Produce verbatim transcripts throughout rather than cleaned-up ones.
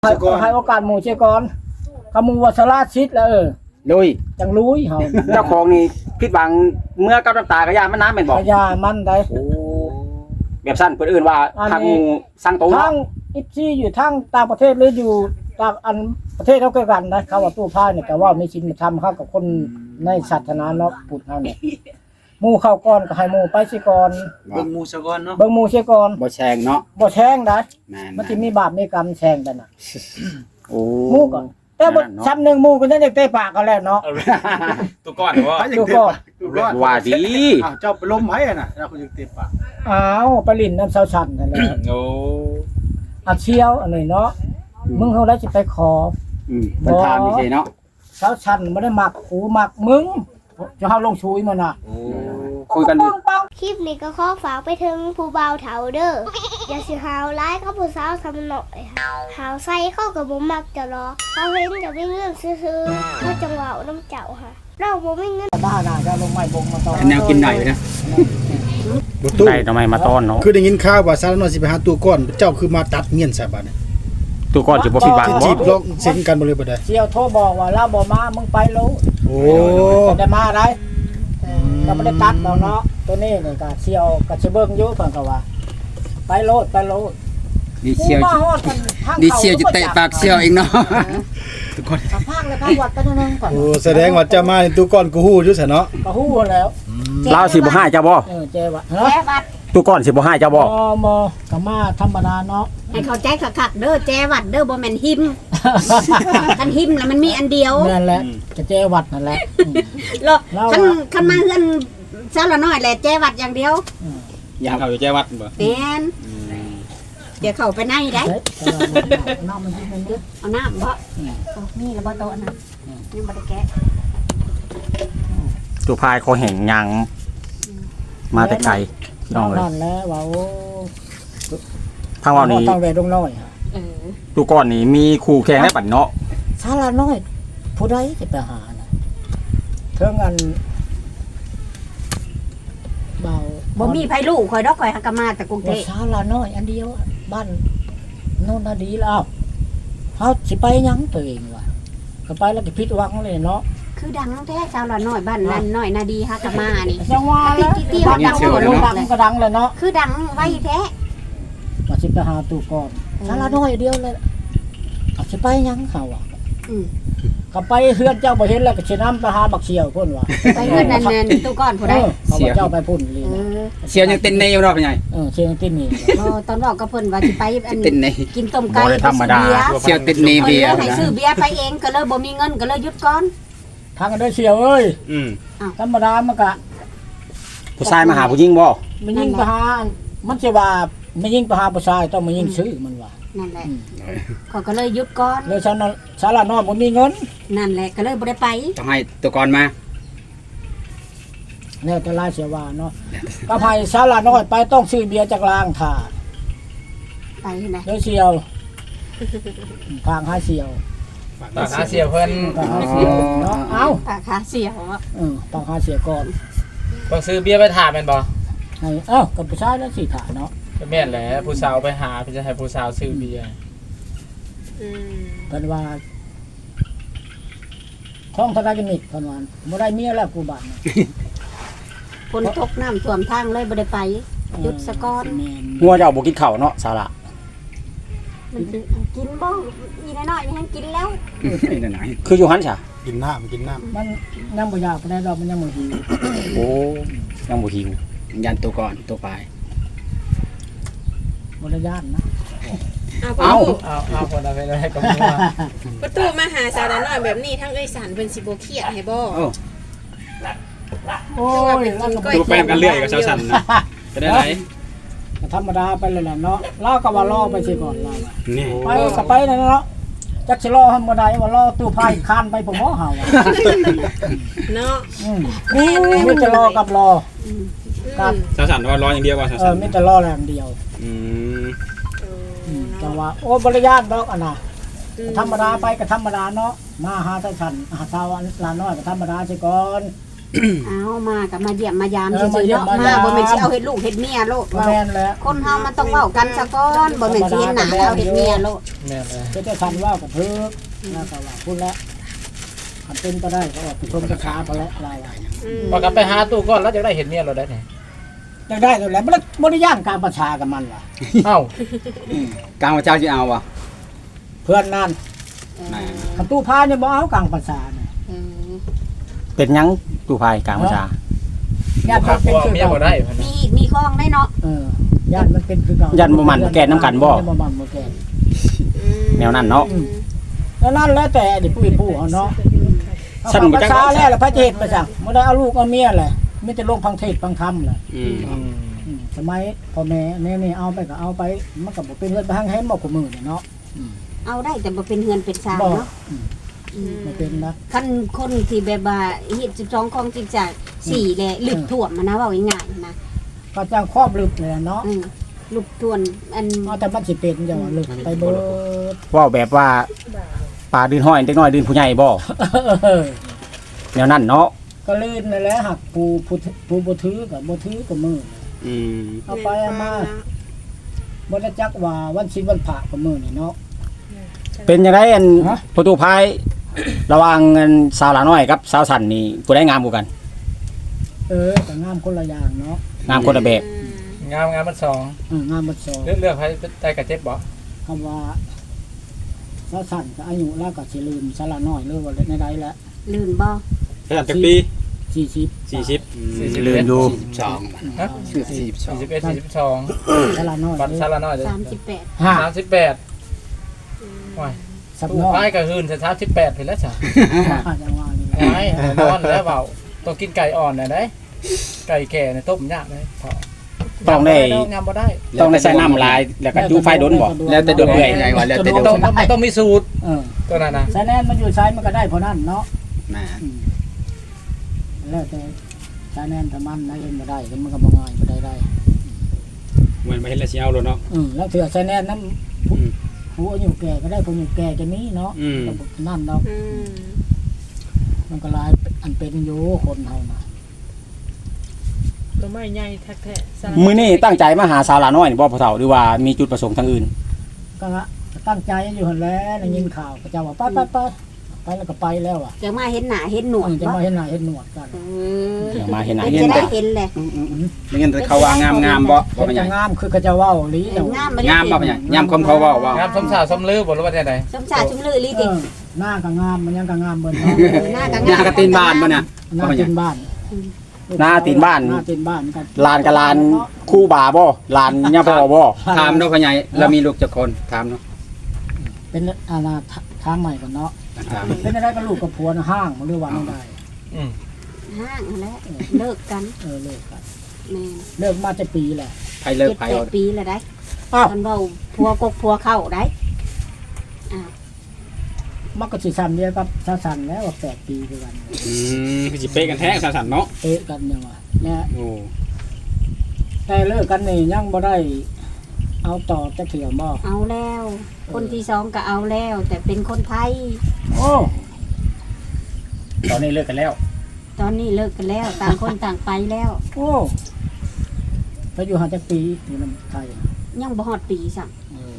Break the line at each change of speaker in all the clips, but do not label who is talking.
ให้ให้โอกาสหมู่เสียก่อนคำมูว่าสลาดชิดแล้วเออ
ลุย
จังรู้เฮา
เจ้าของนี่ผิดหวังเมื่อกับน้ำตากระยามันน้ำเป็นบ่
พยามันได้
โอ้แบบสั้นเพิ่นเอื่นว่าทางหมู่สร้างโต
ทางอิปซี่อยู่ทางต่างประเทศหรืออยู่ต่างอันประเทศเขาใกล้กันนะเขาว่าตู้ผ้าเนี่ยก็ว่ามีศีลธรรมเข้ากับคนในศาสนาเนาะพุทธเฮาเนี่ยหมู่เข้าก่อนก็ให้หมู่ไปสิก่อน
เบิ่งหมู่ซะก่อนเนาะ
เบิ่งหมู่เสียก่อน
บ่แชงเนาะ
บ่แช่งได้
แม่น
มันสิมีบาปมีกรรมแช่งกันน่ะ
โอ้
หมู่ก่อนแต่บ่ซ้ำหนึงหมู่ก็ยังได้เตะปากกันแล้วเนาะ
ตัวก่อนว่า
ตู้ก่อน
ว่าดี
อ้าวเจ้าไปล้มไผอ่ะน่ะแล้วคุณยังเต็มปาก
อ้าวไปลิ้นน้ำเสาชันนั่นแหละ
โอ้
อักเชียวอันนี้เนาะมึงเฮาได้สิไปขอ
อืมเพิ่นถามนี่สิเนาะ
เสาชันบ่ได้มักกูมักมึงจะเฮาลงชุยมันน่ะ
โอ้
คุยกัน
ปังปัง
คลิปนี้ก็ขอฝากไปถึงผู้บ่าวเฒ่าเด้อ อย่าสิหาวร้ายกับผู้สาวสำหน่อยหาวใส่เข้ากับบ่มักจะรอเขาเห็นจะไม่เงื่อนซื่อๆเขาจังหวะน้ำเจ้าค่ะ เราบ่มีเงิน
บ้าน่ะจะลงไม้บงมาต่อ
แนวกินหน่อยนะ
บ่ตู้
ได้ทำไมมาต้อนเนาะ
คือได้ยินข่าวว่าสารน้อยสิไปหาตัวก่อนเจ้าคือมาตัดเมียนซะบัดนี้
ตัวก่อนสิบ่ผิดหวัง
สิ
บ่
จีบลองเซ็นกันบ่เลยบ่ได้
เชียวโทรบอกว่าเราบ่มามึงไปโลด
โอ้
ก็ได้มาได้ก็บ่ได้ตัดดอกเนาะตัวนี้นี่ก็เชียวก็สิเบิ่งอยู่เพิ่นก็ว่า ไปโลดไปโลด
ดีเชียว
กูมาฮอดทางทาง
ดีเชียวจะเตะปากเชียวเองเนาะทุกคน
ทางภาคเลยภาควัดกันนึงก่อน
โอ้แสดงว่าเจ้ามานี่ตัวก่อนกูฮู้อยู่ซะเนาะ
ก็ฮู้แล้ว
ลาวสิบ่ให้เจ้าบ่
เออเจ้ว่าเนาะ
แจ้วัด
ตัวก่อนสิบ่ให้เจ้าบ่
บ่บ่ก็มาธรรมดาเนาะ
ให้เข้าใจคักๆเด้อแจ้วัดเด้อบ่แม่นหิมคันหิมน่ะมันมีอันเดียว
นั่นแหละก็เจ้วัดนั่นแหละ
แล้วคันคันมาเฮือนเจ้าละน้อยแหละแจ้วัดอย่างเดียว
อย่า
เขาอยู่แจ้วัดบ่
แม่นเดี๋ยวเข้าไปในได้
เฮ้ยน้ำมันสิมันเด้อ
เอาน้ำบ่โอ้มีแล้วบ่โตะนะยังบ่ได้แกะ
ตัวพายคอแห้งยางมาแต่ไกลน้องเลย
นั่นแหละว่าโอ้
ทางเรานี่
ต้องแวดงน้อย
เออ
ตัวก่อนนี่มีคู่แข่งได้ปัดเนาะ
ศาลาน้อยผู้ใดจะไปหาน่ะเทิงอันเบา
บ่มีไผลูกข่อยดอกข่อยหักกะมาแต่กรุงเท
ว่า
พ
ศาลาน้อยอันเดียวบ้านโน่นน่ะดีแล้วเฮาสิไปหยังตัวเองวะก็ไปแล้วก็ผิดหวังเลยเนาะ
คือดังแท้ชาวละน้อยบ้านนั้นน้อยนาดีหักกะมานี่
จังว่าแล้ว
ที่ที่เขาดัง
โด่งดังก็ดังเลยเนาะ
คือดังไว้แท้
ว่าสิไปหาตู้ก่อนศาลาน้อยเดียวเลยก็สิไปหยังเขาอ่ะ
อืม
ก็ไปเฮือนเจ้าบ่เห็นแล้วก็สินำไปหาบักเสี่ยวพุ่นว่า
ไปเฮือนนั่นนั่นตู้ก้อนผู้ใด
เออเขาว่าเจ้าไปพุ่นเลย
เออ
เชียวยังเต้นในอยู่เนาะเป็นไง
เออเชียงตินนี่
บ่ตอนบอกกับเพิ่นว่าสิไปอัน
เต้นใน
กินต้มไก่
บ่ได้ธรรมดา เชียวเต้นใน
เบี
เบี
ย
ย
ร์
ร์
ให้ซื้อเบียร์ไปเองก็เลยบ่มีเงินก็เลยหยุดก่อน
ทางกันด้วยเสี่ยวเอ้ย
อืม
ธรรมดามันก็
ผู้ชายมาหาผู้หญิงบ่
มันยิงไปหามันสิว่ามันยิงไปหาผู้ชายต้องมายิงซื้อมันว่า
นั่นแหละเขาก็เลยหยุดก่อน
แล้วชาวนาชาวละน้อยบ่มีเงิน
นั่นแหละก็เลยบ่ได้ไป
ต้องให้ตัวก่อนมา
แล้วแต่ลายเสียว่าเนาะก็ให้ชาวละน้อยไปต้องซื้อเบียร์จากลางถ่า
ไปไหน
เด้อเสี่ยวทางหาเสี่ยว
ตาหาเสียเพิ่น
ทางหาเสี่ยวเนาะเอ้า
ปากขาเสียวอะ
เออต้องหาเสี่ยวก่อน
ต้องซื้อเบียร์ไปถามแม่นบ่
ให้เอ้ากับผู้ชายแล้วสิถ่าเนาะ
ก็แม่นแหละผู้สาวไปหาเพิ่นจะให้ผู้สาวซื้อเบียร์
เพิ่นว่าท้องทะเลกันนิดเพิ่นว่าบ่ได้เมียแล้วกูบ้าน
คนตกน้ำท่วมทางเลยบ่ได้ไปหยุดซะก่อน
แม่น
งัวเจ้าบ่กินข้าวเนาะสาระ
มันสิกินบ่อีน้อยๆนี่ให้กินแล้ว
คืออยู่หันซะ
กินน้ำกินน้ำ
มันยังบ่อยากปานใดดอกมันยังบ่หิว
โอ้ยังบ่หิวยันตัวก่อนตัวปลาย
บ่ได้ย่านนะ
เอ้า
เอาเอาคนเอาไปได้ก็บ่ว่า
ประตูมาหาสาวน้อยแบบนี้ทั้งเอ้ยสันเป็นสิบ่เครียดให้บ่
โอ้
โอ้ยแล้วก็
ตัวแป้งกันเรื่อยกับชาวสันนะจะได้ไหน
ธรรมดาไปเลยแหละเนาะเราก็ว่ารอไปสิก่อนเรา
นี่
ไปก็ไปนั่นเนาะจักสิรอให้บ่ได้ว่ารอตู้พายคานไปผมบ่เฮาอะ
เนาะ
อืมมีแต่รอกับรอกับ
ชาวสันว่าร้อนอย่างเดียวว่าชาว
เอ
สั
อน มีแต่รออย่างเดียว
อืม
อืมแต่ว่าโอ้บริญาตดอกอันน่ะธรรมดาไปก็ธรรมดาเนาะมาหาท่านฉันหาชาวลาน้อยก็ธรรมดาสิก่อน
เอามากับมาเยี่ยมมายาม
เอ
ซื่
อมา
อๆ
เยี่ยม
เนาะ
มายาม
มาบ่แม่นสิเอาเฮ็ดลูกเฮ็ดเมียโลด
บ่แม่นแล้ว
คนเฮามันต้องเว้ากันซะก่อนบ่แม่นสิเห็นหน้าเอาเฮ็ดเมียโลด
แม่นเลย
ก็จะทันว่ากับเพิ่นแล้วก็ว่าพูดแล้วคันเป็นก็ได้ก็ออกไปชมกระชาไปแล้วอะไรอ่ะ
พอกลับไปหาตู้ก่อนแล้วจะได้เห็นเมียเราได้ไง
ได้ได้แล้วแหละบ่ได้บ่ได้ย่างการประชากับมันว่ะ
เอ้าก
ลางพระเจ้าสิเอาบ่
เพื่อนนั่นคันตู้พาเนี่ยบ่เอากลางประชาเนี่ย
เออ
เป็นหยังตู้พายกลางพระเจ้า
ญาติ
พา
มัน
พ
เป็น
วก
คือ
เมีย
เก่า
บ่ได้เพิ่น
มีอีกมีข้องได้เนาะ
เออญาติมันเป็นคือเก่า
ยันบ่มันบ่แก่นำกันบ่
ยับ่มันบ่แก่น
แนวนั้นเนาะ
แล้วนั่นแล้วแต่ดิผู้ผู้เอาเนาะ
ฉันบ่
ประ
จัก
ชาแล้วล่ะพระเจตประจักบ่ได้เอาลูกเอาเมียแหละมีแต่ลงพังเทศพังธรรมแหละ
อืม
อืม
อืมสมัยพ่อแม่แม่นี่เอาไปก็เอาไปมันก็บ่เป็นเรื่องไปทางแฮมบ่กูมือเนี่ยเนาะ
เอาได้แต่บ่เป็นเฮือนเป็นซาง
บ่
เนาะ
อืมไม่เป็นนะ
คันคนที่แบบว่าเฮ็ดสิบสองของจริงจังสี่แหละลึกท่วมมันนะเว้าง่ายๆนะ
ก็จ้างครอบลึกเลยเนาะ
อืมลึกท่วมอัน
เอาแต่มันสิเป็นจังว่าลึกไปเบิด
เว้าแบบว่าปลาดืนห้อยเด็กน้อยดืนผู้ใหญ่บ่
เออ
แนวนั้นเนาะ
ก็ลื่นนั่นแหละหักปูปูปูบ่ถือก็บ่ถือก็มือ
อืม
เอาไปเอามาบ่ได้จักว่าวันศีลวันพระก็มือนี่เนาะ
เป็นจังไดอัน
ฮะ
ประตูพายระหว่างอันสาวหลาน้อยกับสาวสันนี่ผู้ใดงามกว่ากัน
เออก็งามคนละอย่างเนาะ
งามคนละแบบ
งามงามมันสอง
เอองามหมดสอง
เลือกเลือกให้ได้กับเจ็ดบ่
คำว่าสาวสั่นก็อายุแล้วก็สิลืมสละน้อยเลยว่าในใดแล้ว
ลื่นบ่
สาวจักปี
สี่สิบ
สี่สิบ
สี่สิบ
ลืมอยู่
สอง
ฮะสี่สิบสี่สิบเอ็ดสี่สิบสอง
สละน้อย
บัตรซาลาน้อยเลย
สามสิบแปด
ห้า
สามสิบแปดโอ้ย
สับ
ตู้
น้อย
พายก็คืนสามสิบแปดถึงแล้วจ้ะ
อาจจะว่านี่
ไอ้นอนแล้วเปล่าต้องกินไก่อ่อนน่ะได้ไก่แก่เนี่ยต้มยากเลยพอ
ต้องได้
งามบ่ได้
ต้องได้ใส่น้ำลายแล้วก็ดูไฟโดนบ่แล้วแต่ดวงเอื่อยไงว่าแล้วแต่ดวง
ต้องต้องต้องมีสูตร
เออ
ตัวนั้นนะ
สายแนนมันอยู่ซ้ายมันก็ได้เพราะนั่นเนาะ
แม่
อืมแล้วแต่สายแนนถ้ามันนะเองบ่ได้ก็มันก็บ่ง่ายบ่ได้ได้
เหมือนมาเฮ็ดแล้วสิเอาโลดเนาะ
อืมแล้วเถื่อสายแนนนั้นผู้
อืม
ผู้อายุแก่ก็ได้ผู้อายุแก่จะมีเนาะ
อืม
ก็บ่นั่นเนาะ
อืม
มันก็หลายอันเป็นอยู่คนเฮานะ
ตัวไม่ใหญ่แท้ๆสลัด
มื้อนี้ตั้งใจมาหาสาวหลาน้อยนี่บ่พ่อเฒ่าหรือว่ามีจุดประสงค์ทางอื่น
ก็ตั้งใจอยู่หั่นแหล้วได้ยินข่าวก็เจ้าว่าไปไปไปไปแล้วก็ไปแล้วอ่ะ
จะมาเห็นหน้าเห็นหนวด
จะ
บ่
มาเห็นหน้าเห็นหนวดกัน
เออ
เดี๋ยวมาเห็นหน้า
เป็น
เห็น
จะได้
ตา
เห็นแหละ
ไม่งั้นเขาว่างามงามบ่
เห็นจะงามคือเขาจะเว้าหรือจัง
งาม
งามบ่เป็นหยังงามคมเขาเว้าว่าง
ามสมสาวสมลือบ่รู้ว่าจะไหน
สมชาติชุมลือลี
เอ
ติ
อหน้าก็งามมันยังก็งามเบิ่นเนาะ
หน้าก็
หน้ากระตีนบ้านบ่เนี่ย
หน้าตีนบ้าน
หน้าตีนบ้าน
หน้าตีนบ้านกัน
ลานกับลานคู่บ่าบ่ลานย่าพ่อบ่ถามเนาะพ่อใหญ่เรามีลูกจักคนถามเนาะ
เป็นอาณาทางใหม่ก่อนเนาะ
ถาม
เป็นอะไรกับลูกกับผัวนะห้างหรือว่าไม่ได้
อืม
ห้างแล้วเลิกกัน
เออเลิกกัน
แม่
เลิกมาจะปีแหละ
ไผเลิก
เจ็ด
ไผ
แป
เอา
ดปีแล้วได้
อ้าว
ตอนเว้าพัวกกพัวเข้าได้อ้าว
มันก็สิซ้ำเดียวกับชาสันแล้วว่าแปดปีคือกัน
อืมคือสิเป๊ะกันแท้สั่นๆเนาะ
เอ๊ะกันเนี่ยว่าเนี่ย
โอ้
แต่เลิกกันนี่ยังบ่ได้ เอาต่อจะเถื่อบ่
เอาแล้ว คนที่สองก็เอาแล้ว แต่เป็นคนไทย
โอ้
ตอนนี้เลิกกันแล้ว
ตอนนี้เลิกกันแล้ว ต่างคนต่างไปแล้ว
โอ้ไปอยู่หาจักปีอยู่นำไทย
ยังบ่ฮอดปีสั่ง
เออ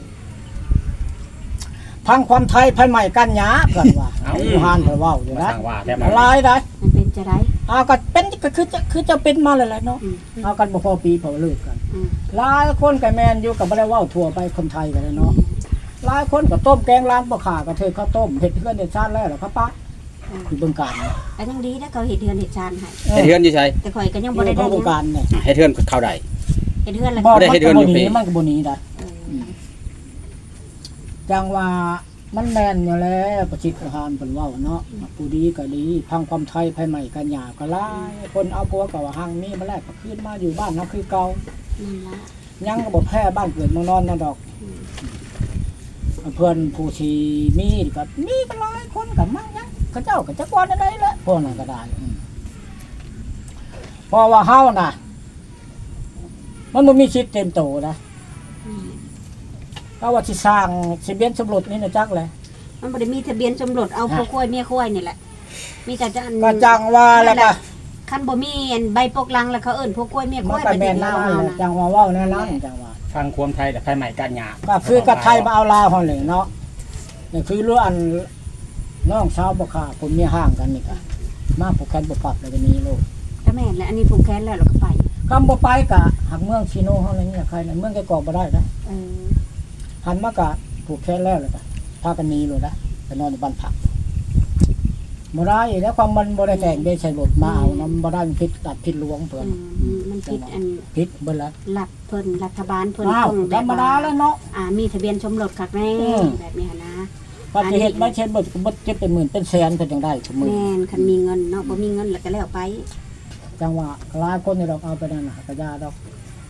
พังความไทยภายใหม่กันหยากันว่าเอาอยู่หานเพิ่นเว้าอยู่
มา
นะ
สั่งว่าแท้มา
อะไรได้
มันเป็นจะได้
เอาก็เป็นก็คือจะคือจะเป็นมาเลยแหละเนาะ
อืม
เอากันบ่พอปีพอเลิกกัน
อืม
หลายคนก็แม่นอยู่กับบ่ได้เว้าทั่วไปคนไทยกันเลยเนาะหลายคนก็ต้มแกงร้านบ่ขาก็เธอข้าวต้มเฮ็ดเพื่อนเฮ็ดชาติแล้วล่ะครับป้าอยู่บึงการเนี่ย
ก็ยังดีนะเขาเฮ็ดเฮือนเฮ็ดชานให้
เฮ็ดเฮือนอยู่ไส
แต่ข่อยก็ยัง
อ
บ่ได้
ยู่
ได้
บึง
นะ
การเนี่ย
เฮ็ดเฮือนเข้าได้
เฮ็ดเฮือนแล้ว
บ่
ก็
ได้เฮ็ดเฮือนอยู่
มันก็บ่ห
ปี
นีมันก็บ่หนีได้
เออ
จังว่ามันแม่นอยู่แล้วประชิดอาหารเพิ่นเว้าเนาะผู้ดีก็ดีพังความไทยภายใหม่กันหยาก็หลายคนเอาผัวก็ว่าหังมีมาแลกก็คืนมาอยู่บ้านเฮาคือเก่า
นั่นล่ะ
ยังก็บ่แพ้บ้านเกิดเมืองนอนนั่นดอกเพื่อนผู้ที่มีก็มีก็หลายคนก็มั่งยังเขาเจ้าก็จักว่าได้แหละพวกนั้นก็ได้อืมเพราะว่าเฮาน่ะ มันบ่มีชิดเต็มโตนะ
อืม
ก็ว่าสิสร้างสิเบียนสมรสนี่นะจักแหละ
มันบ่ได้มีทะเบียนสมรสเอา
ฮะ
ผู้ควายเมียควายนี่แหละ มีแต่จะอัน
ก็จังว่าแล้วก็
คคันบ่มีอันใบปกลังแล้วเขาเอิ้นพวกกล้วยเมียก
มั
ล้
น
วย
ก็
ประเท
แม่
ศ
น
ลา
ลาว ว
เฮา
นั่นแหละ
นะ
จังว่าเว้าแน่นั้นจังว่า
ฟังความไทยแต่ไทยใหม่กันหยา
ก็คือกับไทยมาเอาลาวเฮาเลยเนาะนี่คือรู้อันน้องสาวบ่ค่ะผมมีห่างกันนี่ก็มาผูกแขนบ่ปรับเลยก็นี้ลูก
ก็แม่นแล้วอันนี้ผูกแขนแล้วเราก็ไป
คำบ่ไปก็หักเมืองชิโนเฮาเลยนี่ใครน่ะเมืองไกกอกบ่ได้นะ
เออ
หันมากะผูกแขนแล้วเลยก็พากันหนีเลยนะไปนอนในบ้านพักบ่ได้แล้วความมันบ่ได้แต่งได้ใช้รถมาเอานำบ่ได้มันผิดตัดผิดหลวงเพิ่น
อืมมันผิดอัน
ผิดเบิดละ
รัฐเพิ่นรัฐบาลเพิ่น
อ้าว
ต้อง
ธ
แบ
ร
บ
รมดา
ว่า
แล้วเนาะ
อ่ามีทะเบียนสมรสคักแน่
อืม
แบบนี้หั้นนะ
ปฏิเหตุไม่เช่นเบิดก็บ่เจ็บเป็นหมื่นเป็นแสนเพิ่นจังได้ทุกมื้อ
แม่นคันมีเงินเนาะบ่มีเงินแล้วก็แล้วไป
จังว่าหลายคนนี่ดอกเอาไปนั่นน่ะก็ยาดอก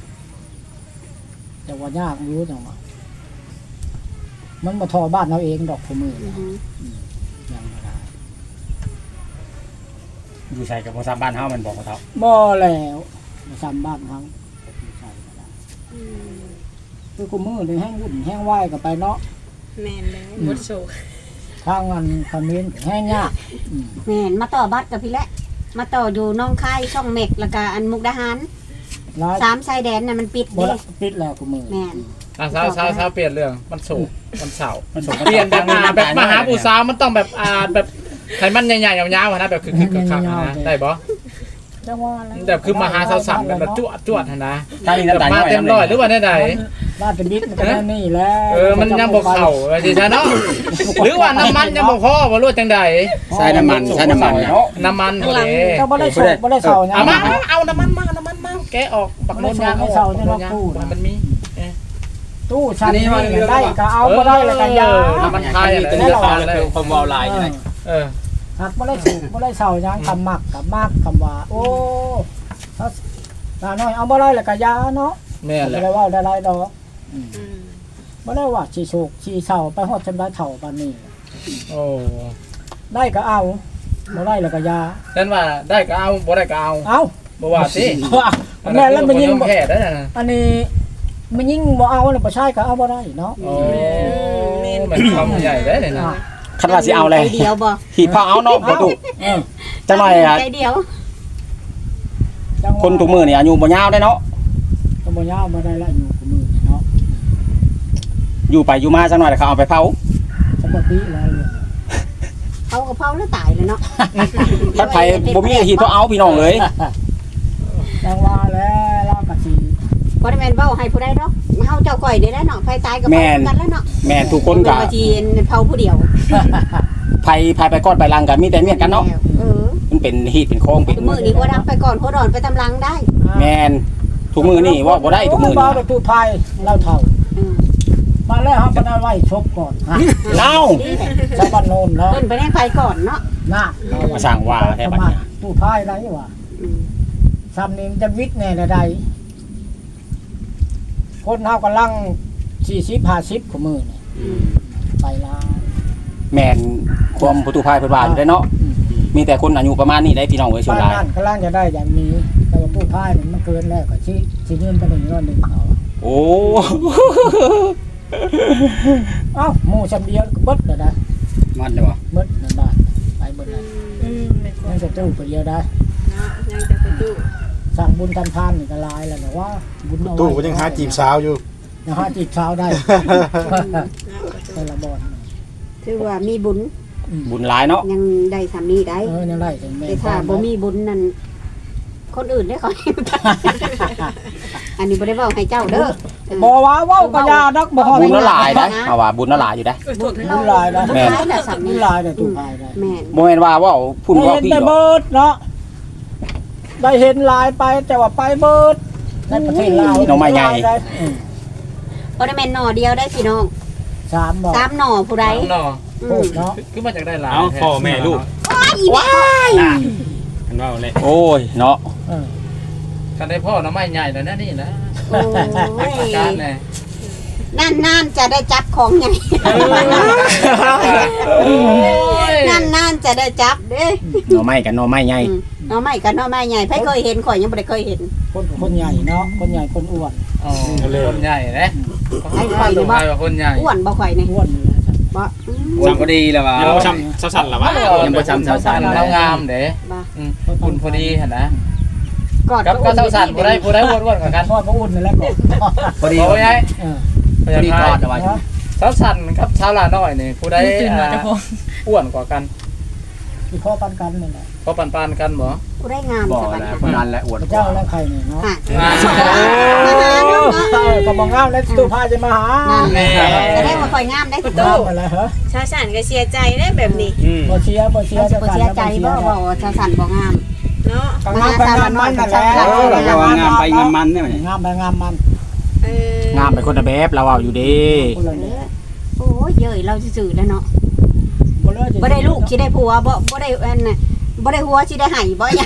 แต่ว่ายากอยู่จังว่ามันบ่ทอบ้านเราเองดอกทุกมื้อ
อือฮึ
ยังบ่ได้
อยู่ใส่กับภาษาบ้านเฮามันบอกเขาเท่า
บ่แล้วซ้ำบ้านเขาใช่ก็ได้
อืม
คือกูมื้อนี่แห้งวุ่นแห้งไหวก็ไปเนาะ
แม่นเลยหมดโศก
ทางอันคอมเมนต์แห้งยากอืม
แม่นมาต่อบัตรกับพี่แหละมาต่ออยู่หน้องคายช่องเม็กแล้วก็อันมุกดาหาร
หลาย
สามชายแดนน่ะมันปิด
บ่
เด้
ละปิดแล้วกูมื้อ
แม่น
อ่ะสาวสาวสาวเปลี่ยนเรื่องมันโศกมันเศร้า
มันส่ง
เปลี่ยนแบบอ่าแบบมหาผู้สาวมันต้องแบบอ่าแบบไขมันใหญ่ๆยาวๆอะนะแบบคือคือคักๆอะนะได้บ่
จังว่าแล้ว
แบบคือมหาสาวสับแบบแบบจวดจวดๆอะนะ
ถ้ามี
แบบ
น้ำตาล
มา
น้อย
เต็มร้อยหรือว่าได้ใด
บ้านเป็นบิ๊กมันก็ได้นี่แหล้ว
เออมันยังบ่เข้าว่าสิซะเนาะหรือว่าน้ำมันยังบ่พอบ่รู้จังใด
ใส่น้ำมันใส่น้ำมันเนาะ
น้ำมันบ่เด้
ก็บ่ได้โศกบ่ได้เศร้าหยัง
เอามาเอาน้ำมันมาน้ำมันมาแกะออกบักโนยางออกบักโนยางมันมี
ตู้ชั้นนี้ได้ก็เอาบ่ได้แล้วก็ยา
น้ำมันคายอะไร
เป็นราคาเลยความวาวลายอยู่ไหน
เออ
หากบ่ได้สูบบ่ได้เศร้าหยังคำมักกับมากคำว่า โอ้ถ้าตาน้อยเอาบ่ได้แล้วก็ยาเนาะ
แม่นแห
บ่
ละ
ได้เว้าได้หลายดอก
อืม
บ่ได้ว่าสิโศกสิเศร้าไปฮอดจำได้เฒ่าปานนี้
โอ้
ได้ก็เอาบ่ได้แล้วก็ยา
นั่นว่าได้ก็เอาบ่ได้ก็เอา
เอา
บ่ว่าสิ
แม่แล้วมันยิง
แพ้ได้นะ
อันนี้มันยิงบ่เอาแล้วบ่ใช่ก็เอาบ่ได้เนาะ
โอ้มันความใหญ่ได้เลยนะ
คันว่าสิเอาเลย
ใจเดียวบ่
หีบผ้าเอาเนาะบ่ถูก
เออ
จังหน่อยอ่ะ
ใจเดียว
จังหวะ
คนทุกมื้อนี่อายุบ่ยาวได้เนาะ
ก็บ่ยาวบ่ได้ละอยู่กับมือเนาะ
อยู่ไปอยู่มาจังหน่อยแล้วเขาเอาไปเผา
ปกติแล้วเนี่ย
เขาก็เผาแล้วตายเลยเนาะ
คันไผบ่มีหีบผ้าเอาพี่น้องเลย
จังว่าแล้วเราก็สิ
บ่ได้แม่นเว้าให้ผู้ใดดอกเฮาเจ้าก้อยนี่แหละเนาะไผตายก็เผากันแล้วเนาะ
แม่นทุกคนก็
บ่ว่าสิเผาผู้เดียว
ไผไผไปกอดไปลังกันมีแต่เมียกันเนาะ
เออ
มันเป็นหีบเป็นโค้งเป็น
มื้อนี้หัวดำไปก่อนหัวดอนไปตำลังได้
แม่นทุกมื้อนี่ว่าบ่ได้ทุกมื้อ
บ่
นี่
ได้ตู้พายเราเฒ่า
อืม
มาแล้วเฮาบ่ได้ไว้ชกก่อนฮะ
เอ้า
นี่แหละ
ชาวบ้านโนนเนาะ
เพิ่นไปได้ไปก่อนเนาะ
น่ะ
มาสร้างว่าแท้บัดนี้
ตู้พายได้ว่า
อืม
ซ้ำนี่มันจะวิทย์แน่ใดคนเฮากำลังสี่สิบ ห้าสิบของมือนี่
อืม
ไปลา
แม่นความประตูพายเพิ่นว่าอยู่ได้เนาะ
อืม
มีแต่คนอายุประมาณนี้ได้พี่น้องเอ้ยส่วน
บ้าน
หลาย
นั่นกำลังจะได้อย่างนี้แต่ว่าตู้พายนี่มันเกินแล้วก็สิสิเงินไปหนึ่งร้อยหนึงเอา
โอ้
เอ้าหมู่ชำเดียวก็เบิดแล้วได้
มันได้บ่
เบิดนั่นได้ไปเบิดแล้ว
อืมแม่นบ่
ยังจะตู้ไปเดียวได้
เนาะยังจะไปตู้
สั่งบุญทำทานนี่ก็หลายแล้วแต่ว่าบุญเอาไว้
ตู้ก็ยังหาจีบสาวอยู่
ยังหาจีบสาวได้
เนาะ
แต่ละบ่อน
ถือว่ามีบุญ
บุญหลายเนาะ
ยังได้สามีได้
เออยังได้ถึงแม่
แต่ถ้าบ่มีบุญนั่นคนอื่นได้เขา อันนี้บ่ได้เว้าให้เจ้าเด้อ
บ่ว่าเว้าก็ยานักบ่ฮอด
บุญละหลายนะเอาว่าบุญละหลายอยู่ได้
บุญหลายนะ
แม่นน่ะสา
บุ
มี
ญหลายได้ตู้พายได้
แม่น
บ่แม่นว่าเว้าพุ่นเว้า
เห็น
พี่
ได้
หรอก
เบิดเนาะได้เห็นหลายไปแต่ว่าไปเบิดในประเทศลาว
น้องไม้ใหญ่
ได้อืม
บ่ได้แม่นหน่อเดียวได้พี่น้อง
สามบ่
สามหน่อผู้ใด
เนาะ
อื
โอ้
ม
เนาะ
คือมาจากได้หลาย
เอาพ่อแม่ลูก
ว้าย
กันว่าเลย
โอ้ยเนาะ
เออ
กันได้พ่อน้ำไม้ใหญ่แล้วนะนี่นะ
โอ้
ประ
ย
การแน่
นั่นๆจะได้จับของใหญ่
โอ้ย
นั่นๆจะได้จับเด้
หน่อไม้กันหน่อไม้ใหญ่
อืมหน่อไม้กับหน่อไม้ใหญ่ไผเคยเห็นข่อยยังบ่ได้เคยเห็น
คนคนใหญ่เนาะคนใหญ่คนอ้วน
อ๋อคนใหญ่นะ
ให้ข่อยนี่บ่
ใครว่าคนใหญ่
อ้วนบ่ข่อยนี่
อ้วนนี่แหละจ้ะ
บ่อืม
จำบ่ดีแล้วว่า
ยังบ่ช้ำสั่นๆหรอวะ
ยังบ่ช้ำสาวๆแล้วงามเด้
บ่
อืมอุ่นพอดีหั่นนะ
กอด
กับก็เท่าสั่นผู้ใดผู้ใดอ้วนๆกว่ากัน
ทอดพระอุ่นนี่แหละก่อน
พอดี
โอ้ยไอ้
เออ
พอดีกอดเอาไว้
เท่าสั่นกับเท่าลาน้อยนี่ผู้ใดอ่าอ้วนกว่ากัน
ที่พ่อปันกันนี่แหละ
ก็ปันๆกันบ่
กูได้งาม
บ่
สบาย
แล้วคนนั้นแหละอวด
พระเจ้าและใครเนี่ยเนาะ
อ่ะ
อ่า
มาหาเนาะ
เออก็บอกงามแล้วตู้พาจะมาหา
แม่จะได้มาคอยงามได้
ประ
งา
ตู
มอะไรเหรอ
ชาวสันก็เสียใจได้แบบนี้
อืม
บ่เชียร์บ่เชีย
เรา
ร์
จะบ่เสียใจบ่บอกว่าชาวสันบ่งาม
เนาะ
ก็งามไปงามมันนั่นแหละ
เออเราก็ว่างามไปงามมันเนี่ย
งามไปงามมัน
เออง
ามไปคนละแบบเราเอาอยู่ดี
คนละเนี่ย
โอ้ยเย้ยเราซื่อๆแล้วเนาะ
บ่เลยจะ
บ่ได้ลูกสิได้ผัวบ่บ่ได้อันน่ะบ่ได้หัวสิได้ไห้บ่เนี่ย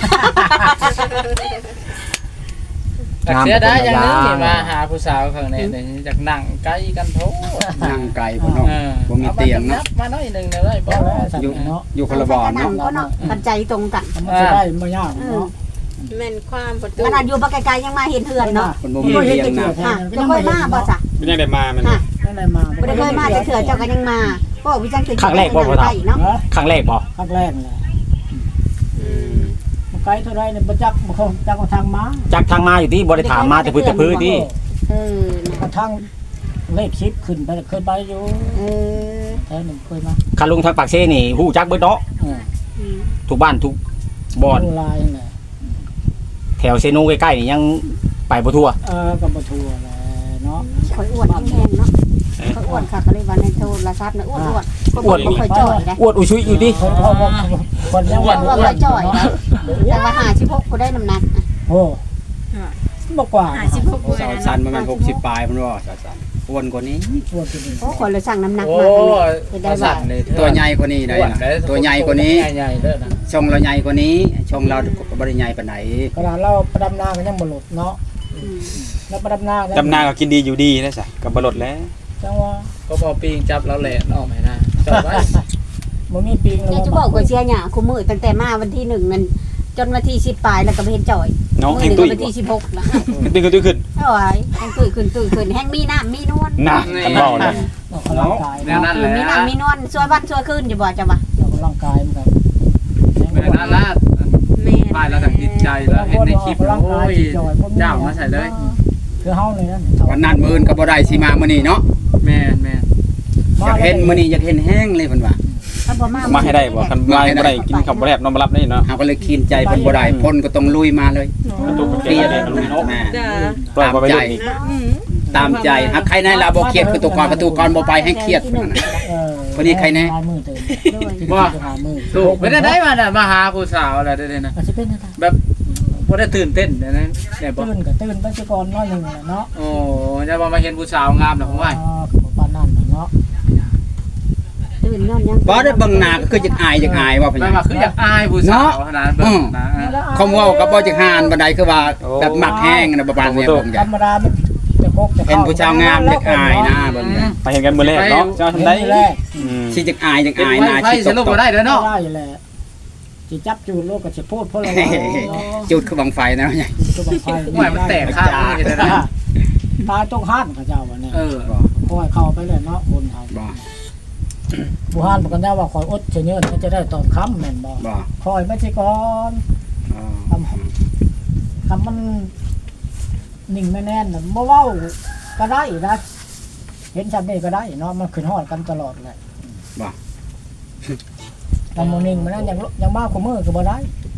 แต่เสียดายอย่างหนึงที่มาหาผู้สาวข้างในนี่อยากนั่งใกล้กันโทษ
นั่งไกลพุ่นเนาะ
เออ
บ่มีเตียงเนาะ
มาหน่อยหนึงได้บ่
บ่แล้วสัต
อยู่
ว์เนาะ
อยู่คนละบ่อน
นั่
เนาะ
งก็เนาะกันใจตรงกัน
มันจะได้บ่ยากเนาะ
แม่นความประตู
ขนาดอยู่บ่ไกลๆยังมาเห็นเฮือนเนาะ
คนบ่มีเตียงนะ
ค่ะจะเคยมาบ่จ้ะ
เป็นยังได้มามัน
ค่ะ
ไม่ได้มา
บ่ได้เคยมาแต่เถื่อเจ้าก็ยังมาบ่วิจังคือ
ครั้งแรกบ่พ่อ
ไท
เฒ่า
เนาะ
เนาะ
ครั้งแรกบ่
ภาคแรกแหละ
อืม
มันไกลเท่าไรเนี่ยบ่จักบ่คงจักว่าทางมา
จักทางมาอยู่ที่บ่ได้ถามมาแต่พื้นแต่พื้นที่
เออ
กระทั่งเลขชิปขึ้นไปเคยไปอยู่
เออ
แท้หนึ่งเคยมา
คันลุงทางปากเซนี่ฮู้จักเบิดเนาะ
เออ
ทุกบ้านทุกบ่อน
ดูลายน่ะ
แถวเซโนใกล้ๆนี่ยังไปบ่ทั่ว
เออกับบ่ทัวแหละเนาะ
ข่อยอ้วนแห้งๆเนาะข่อยอ้วนค่ะก็เลยว่าในโทรศัพท์น่ะอ้วนๆอ้วนบ่ค่อยจ่อยได้
อวดอุชุยอยู่ดิ
คนเพราะว่าคนยัง
อ้วนบ่ค่อยจ่อยได้แต่ว่าห้าสิบหกกูได้น้ำหนัก
โอ้บ่กว่า
ห้าสิบหกกว่า
สาว
นะ
สันประมาณหกสิบปลายมันว่าสาวสันอ้วนกว่านี้
ตัวจริง
โอ้คนเลยสั่งน้ำหนัก
โอ้
มาเป็นได้
ประ
ว่า
สั่นนี่
ตัวใหญ่กว่านี้ได้
อ้วน
นะ
ได้
ตัวใหญ่กว่านี้
ใหญ่ๆเด้อนะ
ชงเราใหญ่กว่านี้ชงเราบ่ได้ใหญ่ปานไหน
ขนาดเราประดำนาก็ยังบ่หลุดเนาะแล้วประดำนา
ดำนาก็กินดีอยู่ดีนะจ๊ะกับบรดแล้ว
จังว่า
ก็พอปีงจับแล้วแหละออกให้นะจบไว้
บ่มีปิงเลย
เนี่ยจะบอกว่าเชียร์หยาคุมือตั้งแต่มาวันที่หนึ่งนั่นจนวันที่สิบปลายแล้วก็ไม่เห็นจ่อย
เนาะ
มื
แห้ง
อ
ตุ้ย
วันที่สิบหกแล้ว
ตุ้ยขึ้นตุ้ยขึ้น
โอ้ยแห้งตุยขึ้นตุยขึ้นแห้งมีน้ำมีนวล
น่ะคันเว้าเลย
ออกกำลังกาย
แนว
เนาะ
นั้นแหละ
มีน้ำมีนวลช่วยวันช่วยคืนอยู่บ่จ้ะวะ
ออกกำลังกายมันก็
แม่นั่นละ
แม่น
ป้ายแล้วก็ติดใจแล้วเห็นในคลิปโอ้ยเจ้ามาใส่เลย
คือเฮาเลยนั่น
วันนั้นมื้ออื่นก็บ่ได้สิมามื้อนี้เนาะ
แม่นแม่น
อยากเห็นมื้อนี้อยากเห็นแห้งเลยเพิ่นว่า
ถ้าบ่มา
มาให้ได้บ่คันมาบ่ได้กินข้าวบ่แลบนอนบ่หลับนี่เนาะ
เฮาก็เลยคีนใจเพิ่นบ่ได้เพิ่นก็ต้องลุยมาเลย
ตุ้ย
เครียด
เนาะเนาะ
แม่
จ้า
ปล่อยบ่ไปเล่นอีก
อืม
ตามใจหากใครในเราบ่เครียดคือตัวก่อนประตูก่อนบ่ไปให้เครียด
ที่
เพิ่
ห
น
นึ่ง
น่ะ
เออ
วันนี้ใครแน่
ลายมือเต็ม
ด้วย
ว่า
หามือ
ถูกไม่ได้ได้มาน่ะมาหาผู้สาวอะไรได้ๆนะ
อาจจะเป็นอะไร
แบบบ่ได้ตื่นเต้นเดี๋ยวนั้นได้บ่
ตื่นก็ตื่นไปซะก่อนน้อยหนึงแหละเนาะ
โอ้จะว่ามาเห็นผู้สาวงามน่ะผมว่า
อ่าก็บ่ปานนั้นน่ะเนาะ
ตื่นนอนยัง
บ่ได้เบิ่งหน้าก็คืออยากอายอยากอายว่าเพิ่น
แม่ว่าคืออยากอายผู้สาวขนาดเบิ่งนะ
คำเว้าก็บ่จักหานบันไดคือว่าแบบมักแห้งนะประมาณนี้เบิ่ง
ธ
จ้ะ
รรมดามันจะพกจะ
เป็นผู้ชาวงามอยากอายนะเบิ่งจ้ะ
ไปเห็นกันมื้อแรกเนาะเจ้า
เห็
ทำ
น
ได้
ทีแรก
อืม
สิอยากอายอยาก
เป็น
อาย
ไฟ
หน้า
ไฟ
สิ
สลบบ่ได้เด้อเนาะ
ได้แหละสิจับจูดโลกก็สิพูดเพราะอะไร
จุดคือบังไฟนะ
คือบังไฟ
ห่วยมันแตกข้างนี่ได้นะ
ตายต้องห้านเขาเจ้าวันนี้
เออ
คอยเข้าไปเลยเนาะคนไทย
บ่
ผู้ห้านบอกกันได้ว่าคอยอดเฉยเนินมันจะได้ตอนค้ำแม่นบ่
บ่
คอยไม่ใช่ก่อน
อ๋อ
คำมันนิ่งไม่แน่นน่ะบ่เว้าก็ได้นะเห็นชัดนี่ก็ได้เนาะมันขึ้นฮอดกันตลอดเลย
บ่
แต่โมนิ่งมันนั่นยังยังมากกว่ามือก็บ่ได้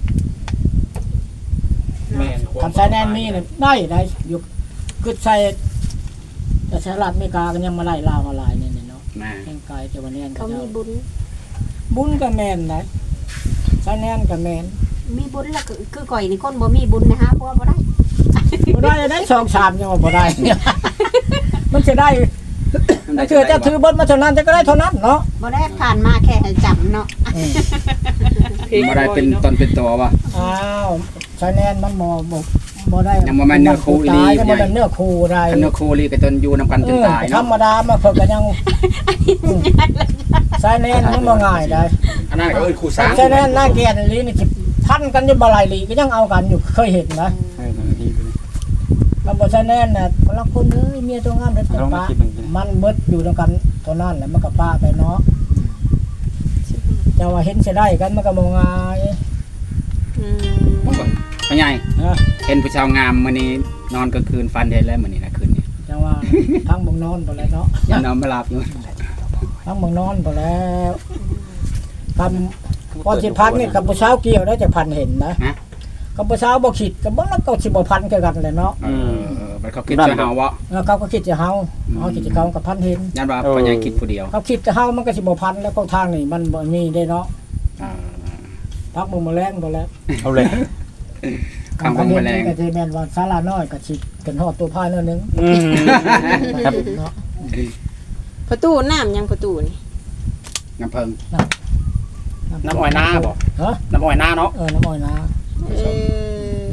แม่น
คำใช้แน่นมีเนี่ยได้ได้อยู่คือใช้แต่สหรัฐอเมริกาก็ยังมาไล่ลาวมาลายเนี่ยเนาะ
แม่
แข่งกายจะวันนี้
เขามีบุญ
บุญกับแมนนะใช้แน่นกับแมน
มีบุญแล้วคือคือก่อยนี่คนบ่มีบุญนะฮะเพราะว่าบ่ได้
บ่ได้ได้สองสามยังว่าบ่ได้ มันจะได้ถ้าเธอจะถือบนมาเท่านั้นจะก็ได้เท่านั้นเนาะ
บ่ได้ผ่านมาแค่ให้จำเนาะ
บ่ได้เป็นตนเป็นตัวว่ะ
อ้าวใช้แน่นมันบ่บ่บ่ได้
ยังบ่แม่นเนื้อคู่อีหลี
ตายยังบ่แม่นเนื้อคู่ได้
คันนโคลีก็ตนอยู่นำกันจนตาย
ธร
เนาะ
รมดามาเพิ่นก็ยังใช้แน่นมันบ่ง่ายได้
อันนั้นก็เอิ้นคู่สร้าง
ใช้แน่นหน้าเกียรติลีนี่สิพันกันอยู่บ่หลายลีก็ยังเอากันอยู่เคยเห็นนะ
เออนาทีไปเลย
มันบ่ใช่แน่นน่ะบางคนเอ้ยเมียตัวงามเด็ด
ลองมา
ป้า
คิดหนึ่งสิ
มันเบิดอยู่ด้วยกันเท่านั้นแหละมันก็ป้าไปเนาะแต่ว่าเห็นสิได้กันมันก็บ่ง่าย
อืม
พ่อใหญ่
ฮะ
เห็นผู้ชาวงามมื้อนี้นอนกลางคืนฝันเห็นแล้วมื้อนี้นะคืนนี้
จังว่าทั้งเมืองนอนบ่แล้วเนาะ
ยังนอนบ่หลับอยู่
ทั้งเมืองนอนบ่แล้วคำพอสิพักนี่กับผู้สาวเกี่ยวได้จะพันเห็นนะ
ฮะ
กับผู้สาวบ่คิดกับบ่แล้วก็สิบ่พันคือกันแหละเนาะ
เออเออมันเขาคิดจะเฮาบ่
แล้วเขาก็คิดจะเฮาเฮาคิดจะเขากับพันเห็น
ยันว่าพ่อใหญ่คิดผู้เดียว
เขาคิดจะเฮามันก็สิบ่พันแล้วก็ทางนี่มันบ่มีได้เนาะ
อ่า
พักบ่มาแรงบ่แล้ว
เอาเลย
ข้างบนแมลง
ก็สิแม่นว่าศาลาน้อยก็สิกันฮอดตัวพายนิดนึง
อืมครับ
เนาะ
ประตูน้ำยังประตูนี่
น้ำเพิง
น้ำอ้อยนาบ่
ฮะ
น้ำอ้อยนาเนาะ
เออน้ำอ้อยนะ
เออ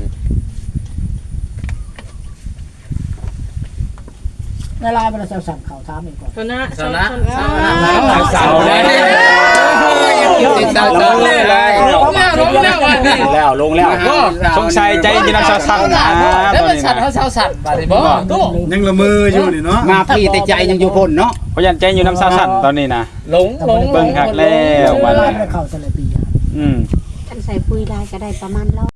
ในลายมันจะสั่งเขาถามอีกก่อน
ชนะ
ชนะ
สาวเลยสาวเลย
ลงแล้วลงแล้ววันนี้
แล้วลงแล้วสงสัยใจยินำชาวสั่งนะ
แล้ว
ตอน
มัน
นี้
สั่น
นะ
เขาเช้าสั่นบาดนี้บ่ตู้
ยังละเมืออยู่นี่เนาะ
มาพี่แต่ใจยังอยู่พ้นเนาะ
เพราะยันใจอยู่น้ำชาวสั่นตอนนี้นะ
หลงหลง
เบิ่งคักแล้ว
ในลายมันเข้าแต่ละปี
อืม
ท่านใส่ปุ๋ยได้ก็ได้ประมาณร้อย